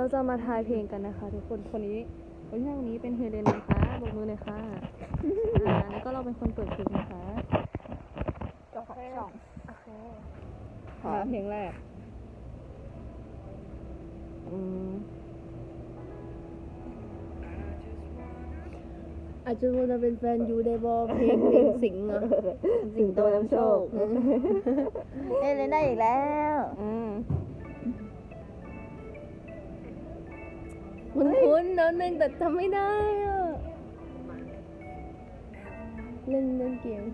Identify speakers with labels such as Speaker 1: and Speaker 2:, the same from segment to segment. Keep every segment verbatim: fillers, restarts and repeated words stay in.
Speaker 1: เราจะมาทายเพลงกันนะคะทุกคนคนนี้คนที่นั่งนี้เป็นเฮเลนนะคะบกมือเลยค่ะอ่าแล้วก็เราเป็นคนเปิดเพลงนะคะ
Speaker 2: จบสองโอเค
Speaker 1: มาเพลงแรกอืม
Speaker 3: อาจจะว่าจะเป็นแฟนยูได้บอเพลงเพลงสิงห์อ่ะ
Speaker 2: สิงโตนำโชคเอ้ยเล่นได้อีกแล้ว
Speaker 1: อืม
Speaker 3: คุ้นคุ้นๆแล้วนึงแต่จำไม่ได้อ่ะเล่นเล่นเกม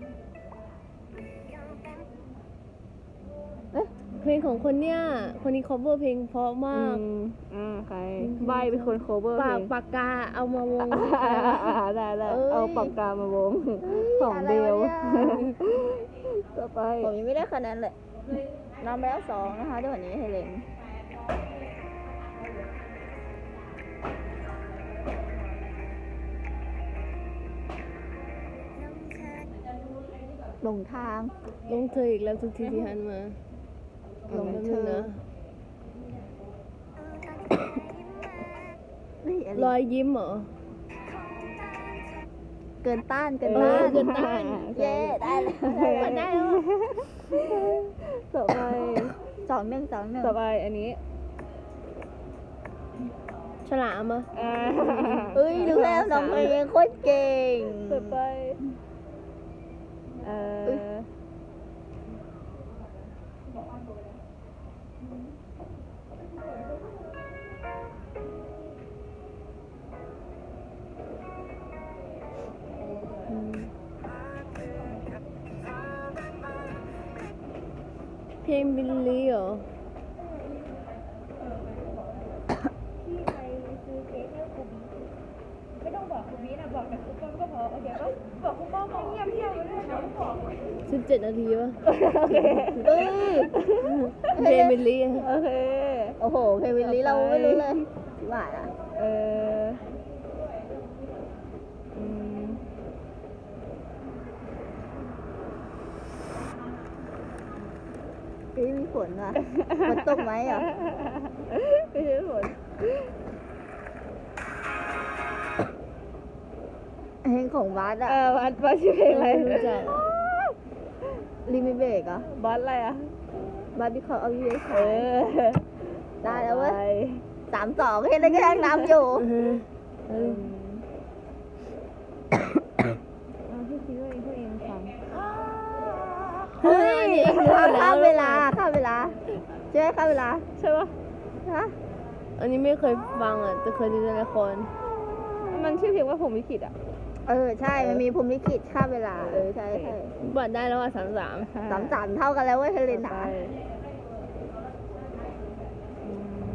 Speaker 3: เอ๊ะเพลงของคนเนี้ยคนนี้ cover เพลงเพราะมาก
Speaker 1: อืมอ่าใครใบเป็นคนโคเวอร์เพ
Speaker 3: ปา
Speaker 1: ล
Speaker 3: ก
Speaker 1: ง
Speaker 3: ปากกาเอามาวง
Speaker 1: อ่าได้ได้
Speaker 3: เอ้ย
Speaker 1: เอาปากกามาวงของเบลต่อไป
Speaker 2: ผมยังไม่ได้คะแนนเลยนำไปแล้วสองนะคะด้วยวันนี้เฮเลนหลงทาง
Speaker 3: ลงเธออีกแล้วทุกทีที่หันมา
Speaker 2: หลง
Speaker 3: แป๊บ
Speaker 2: เธ
Speaker 3: นึง
Speaker 2: อ
Speaker 3: นะ
Speaker 2: นี่อะไร
Speaker 3: รอยยิ้มเหรอ
Speaker 2: เกินต้านเกิน
Speaker 3: เอ
Speaker 2: ต้า
Speaker 3: อน เกินต้าน
Speaker 2: เย้ได้แล้ว
Speaker 3: ได้แล้ว
Speaker 1: ต่อไป
Speaker 2: สองหนึ่งสองหนึ่ง
Speaker 1: ต่อไปอันนี้
Speaker 3: ฉลามอ่ะ
Speaker 1: อ่า
Speaker 2: เอ้ยดูแล้วน้องเพลงโคตรเก่ง
Speaker 1: ต่อไปเอ่อ
Speaker 3: เพลงบิลลี่เหรอ สิบเจ็ดนาทีป่ะ
Speaker 2: เอ้ย
Speaker 3: เพลงบิลลี่อะ
Speaker 1: โอเค
Speaker 2: โอ้โหเพลงวิลลี่เราไม่รู้เลยว่าอ่ะ
Speaker 1: เอออืม
Speaker 2: เฮ้ยมีฝนว่ะฝนตกไหมอ่ะ
Speaker 1: ไม่ใช่ผล
Speaker 2: เพลงของบัส
Speaker 1: เอ
Speaker 2: อ่ะ
Speaker 1: อบัสบัสชื่อเพลงอะไร
Speaker 3: ไม่รู้จัก
Speaker 2: ลิมิเบรกอ่ะ
Speaker 1: บัสอะไรอ่ะ
Speaker 2: บัสบิคอเอายูเอส
Speaker 1: เออ
Speaker 2: ได้แล้วเว้ย
Speaker 1: ไป
Speaker 2: สามสองเห็นได้แค่น้ำอยู่
Speaker 3: อือฮึเอ
Speaker 1: อื
Speaker 3: อ
Speaker 1: มเอาพี่คิดว่าเองพวกเองฟัง
Speaker 2: เฮ้ยข้ามเวลาข้ามเวลาใช่ไหมข้ามเวลา
Speaker 1: ใช่ปะ
Speaker 2: ฮะ
Speaker 3: อันนี้ไม่เคยฟังอ่ะแต่เคยดูในละคร
Speaker 1: มันชื่อเพลงว่าผมลิขิตอ่ะ
Speaker 2: เออใช่มันมีภูมิลิขิตข้ามเวลาเออใช่ใช่
Speaker 3: บัตรได้แล้วอ่ะสามสาม
Speaker 2: สามสามเท่ากันแล้วเว้ยเฮเลน
Speaker 1: ต่อ
Speaker 2: นะ
Speaker 1: ไปอืม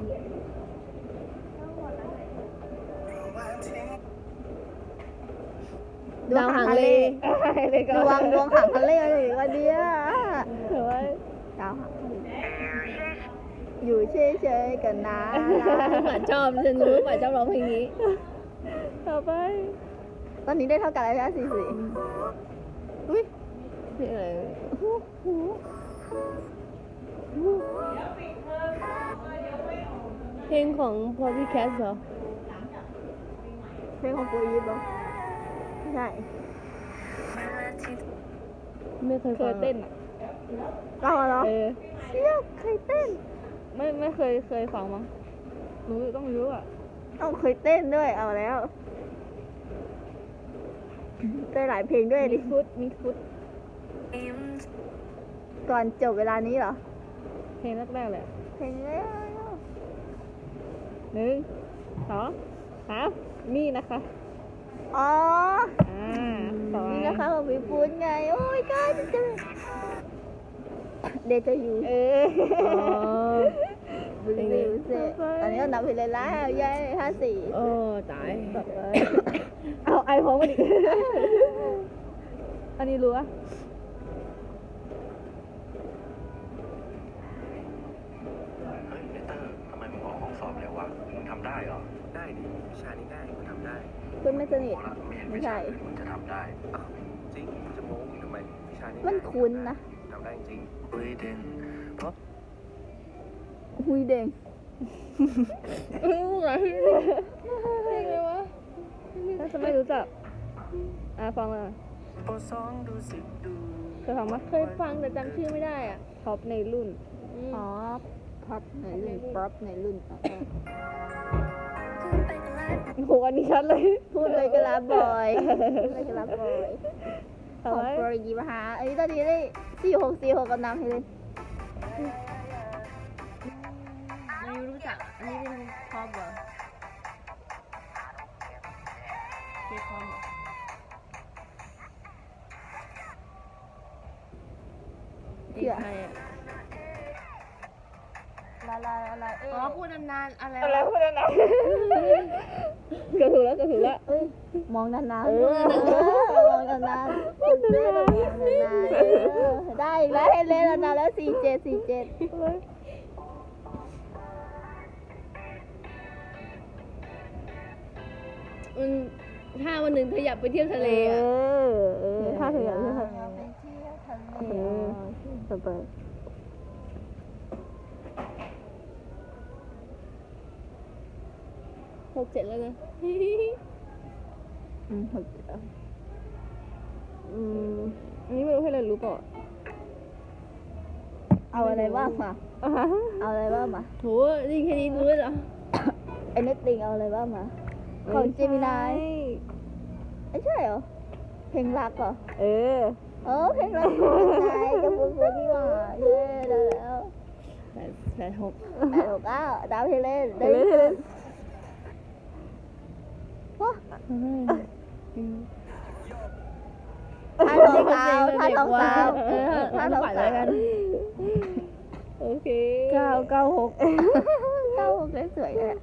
Speaker 3: ดาวหางเล
Speaker 1: เลยก็
Speaker 2: ดวงดวงหางทะเลอะไรวันเดีย
Speaker 1: เถือว่า
Speaker 2: ดาวหางทะเลอยู่เฉยๆกันนะ
Speaker 3: หมาชอบฉันรู้หมาชอบร้องเพลงนี้
Speaker 1: ต่อไป
Speaker 2: ตอนนี้ได้เท่ากันแล้วใช่ไหมสี่สี่อุ้ย
Speaker 3: เพลงอะไร
Speaker 2: หูหู
Speaker 3: เพลงของพอพี่แคสเหรอ
Speaker 2: เพลงของโฟยิปเหรอไม่ใช่
Speaker 3: ไม่เคย
Speaker 1: เค
Speaker 3: ฟั
Speaker 1: ย
Speaker 3: ง
Speaker 1: เต้นอ่ะ
Speaker 2: เราเหรอ
Speaker 1: เออ
Speaker 2: เชี่ยเคยเต้น
Speaker 1: ไม่ไม่เคยเคยฟังมั้งรู้ต้องรู้อ่ะ
Speaker 2: ต้องเคยเต้นด้วยเอาแล้วเต้นหลายเพลงด้วยดิ
Speaker 1: มีฟุตมีฟุต
Speaker 2: ก่อนจบเวลานี้เหรอ
Speaker 1: เพลงแรกๆเลยอะ
Speaker 2: เพลงแรก
Speaker 1: หนึ่งสองสามนี่นะคะ
Speaker 2: อ๋อ
Speaker 1: อ่าต่อไป
Speaker 2: นี่นะคะของพี่ปุ้นไง โอ้ยก้าจะเจอเดจายู
Speaker 1: เออ
Speaker 3: อ๋อ
Speaker 2: บิลลี่เซ่ตอนนี้เรานับไปเลยแล้วเย้ห้าสี่
Speaker 3: โอ้ตาย
Speaker 1: ต่อไปเอาไอพร้อมกันอีก อันนี้รู้อะ
Speaker 4: เฮ้ยเลเตอร์ทำไมมึงออกห้องสอบเร็ววะมึงทำได้เหรอ ได้ดิวิชานี้ได้มึงทำได้
Speaker 2: เพื่อนไม่สนิท
Speaker 4: โอ้ละไม่เห็น
Speaker 2: ไม่
Speaker 4: วิ
Speaker 2: ใช่
Speaker 4: ชาอื่นมึงจะทำได้อ้าวจริงมึงจะโม้มึงทำไมวิชานี้
Speaker 2: มันคุ้นนะ
Speaker 4: ทำได้จริงเฮ้ยเด่นเพราะ
Speaker 2: หุยเด้ง
Speaker 3: รู้เหรอเพลงอะไรวะ
Speaker 1: ถ้าจะไม่รู้จักอ่ะฟังเลย
Speaker 4: โปรสองดูสิดู
Speaker 1: เคยฟังปะ
Speaker 3: เคยฟังแต่จำชื่อไม่ได้อ่ะ
Speaker 1: ท็อปในรุ่น
Speaker 3: อืม
Speaker 2: อ๋อพับในรุ่นป๊อปในรุ่นอ๋อ
Speaker 1: โอ้โหอันนี้ชัดเลย
Speaker 2: พูดเลยก็รับบอยพูดเลยก็รับบอยข
Speaker 1: ทำ
Speaker 2: อง
Speaker 1: ไม
Speaker 2: โปรดีมาหาอันนี้ตอนนี้ได้สี่หกสี่หกกับน้ำให้เลย
Speaker 3: ไม่รู้จัก อันนี้เป็นคอมเหรอเคคอมเหรอเพลงใครอ่ะ
Speaker 2: ลาลาลาเอ๊
Speaker 3: อ๋อพูดนานๆอะไร
Speaker 1: อะไร
Speaker 3: วะ
Speaker 1: พูดนะเกือบถูกแล้วเกือบถูกแล้ว
Speaker 2: เอ้ยมองนานๆ
Speaker 1: เออ
Speaker 2: มองนานๆพูดด้วยมองนานๆเออได้อีกแล้วให้เล่นนานๆแล้วสี่เจ็ดสี่เจ็ด
Speaker 3: มันถ้าวันหนึ่งเธออยากไปเที่ยวทะเล
Speaker 1: เอ
Speaker 3: อ่ะ
Speaker 1: อเออถ้าเธออยากเที่ยวทะเล
Speaker 2: ไปเที่ยวทะเล
Speaker 1: เออต่อไป
Speaker 3: หกเจ็ดแล้วนะ
Speaker 2: อืมหกเจ็ดแล้ว
Speaker 1: อืมอันนี้ไม่รู้ให้เลยรู้เปล่า
Speaker 2: เอาอะไรว่างมา
Speaker 1: อ่ะฮะ
Speaker 2: เอาอะไรว่างมา
Speaker 3: โหนี่แค่นี้รู้เลยเหรอ
Speaker 2: ไอ้เน็ตติงเอาอะไรว่างมา ของเจมินายไม่ใช่เหรอ เพลงรักเหรอ
Speaker 1: เออ
Speaker 2: เออเพลงรักเจมินายกับบุญบุญนี่หว่าเย้ได้แล้ว
Speaker 3: แปดแปดหก
Speaker 2: แปดหกเก้าดาวเฮเลน
Speaker 1: เฮเลนเฮเลน
Speaker 2: ว้า
Speaker 3: อืม
Speaker 2: ท่าสองสาวท่าสองสาว
Speaker 3: เออ
Speaker 2: ท่า
Speaker 3: ถ้า
Speaker 2: สอง
Speaker 3: ฝัน
Speaker 2: สา
Speaker 3: แล้ว
Speaker 2: ว
Speaker 3: กัน
Speaker 1: โอเค
Speaker 2: เก้าเก้าหกเก้าหกสวยๆเลยอะ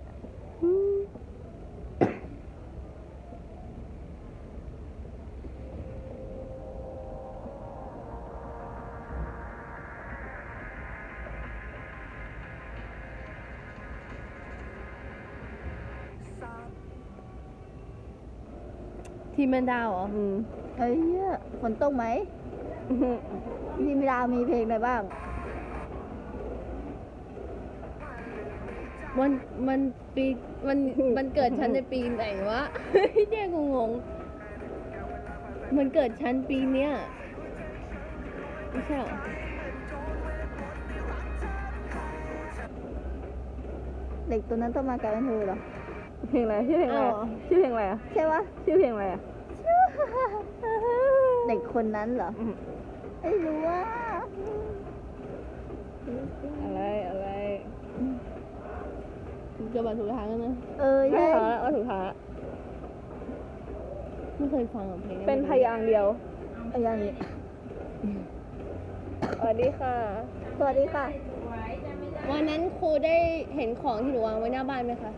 Speaker 3: ทีมแมนดาวเหรอ
Speaker 1: อืม
Speaker 2: เฮ้ยเหี้ยฝนตกไหมที่มิลามีเพลงอะไรบ้าง
Speaker 3: มันมันปีมันมันเกิดชั้นในปีไหนวะ แย่งงงๆมันเกิดชั้นปีเนี้ยไม่ใช่เหรอ
Speaker 2: เด็กตัวนั้นต้องมากลายเป็นเธอเหรอ
Speaker 1: เพลงอะไรชื่อเพลงอะไร
Speaker 3: อ้าว
Speaker 1: ชื่อเพลงอะไรอ่ะ
Speaker 2: ใช่ปะ
Speaker 1: ชื่อเพลงอะไรอ่ะ
Speaker 2: เด็กคนนั้นเหรอ
Speaker 1: อืม
Speaker 2: ไม่รู้ว่า
Speaker 1: อะไรอะไร
Speaker 3: เกือบมาถูกทางแล้วนะ
Speaker 2: เออ
Speaker 1: ไม่
Speaker 2: ใช่
Speaker 1: ถูกแล้วว่าถูกทางละ
Speaker 3: ไม่เคยฟังอะเพลง
Speaker 1: เป็นพยางค์เดียว
Speaker 2: เอาอย่างนี้
Speaker 1: สวัสดีค่ะ
Speaker 2: สวัสดีค่ะ
Speaker 3: วันนั้นครูได้เห็นของที่หนูวางไว้หน้าบ้านไหมคะ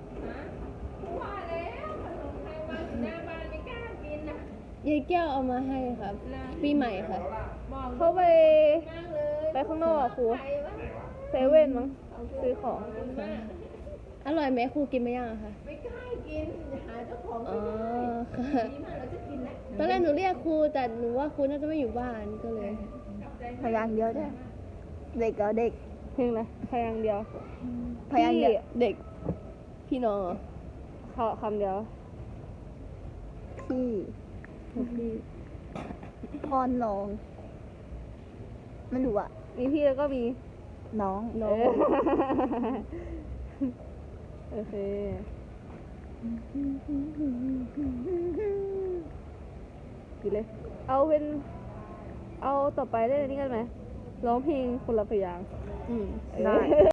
Speaker 3: ยายแก้วเอามาให้ครับ ปีใหม่ค่ะ
Speaker 1: เขาไปไปข้างนอกอะครูเซเว่นมั้งซื้อของ
Speaker 3: อร่อยไหมครูกินไหมยังอะคะไม่กล้ากินหาเจ้าของอ๋อค่ะตอนแรกหนูเรียกครูแต่หนูว่าครูน่าจะไม่อยู่บ้านก็เลย
Speaker 2: พยางค์เดียวเนี่ยเด็กเหรอเด็ก
Speaker 1: เพลงอะไรพยางค์เดียว
Speaker 2: พยางค์เดียว
Speaker 3: เด็ก พี่น้องเหรอ
Speaker 1: ขอคำเดียว
Speaker 2: พี่
Speaker 3: พี่
Speaker 2: พรน้องไม่รู้อะ
Speaker 1: มีพี่แล้วก็มี
Speaker 2: น้อง
Speaker 3: น้อ
Speaker 1: เอง อโอเคกินเลย เอาเป็น เอาต่อไปได้อันนี้กันไหมร้องเพลงคนละพยางค์
Speaker 3: อืม
Speaker 1: ได้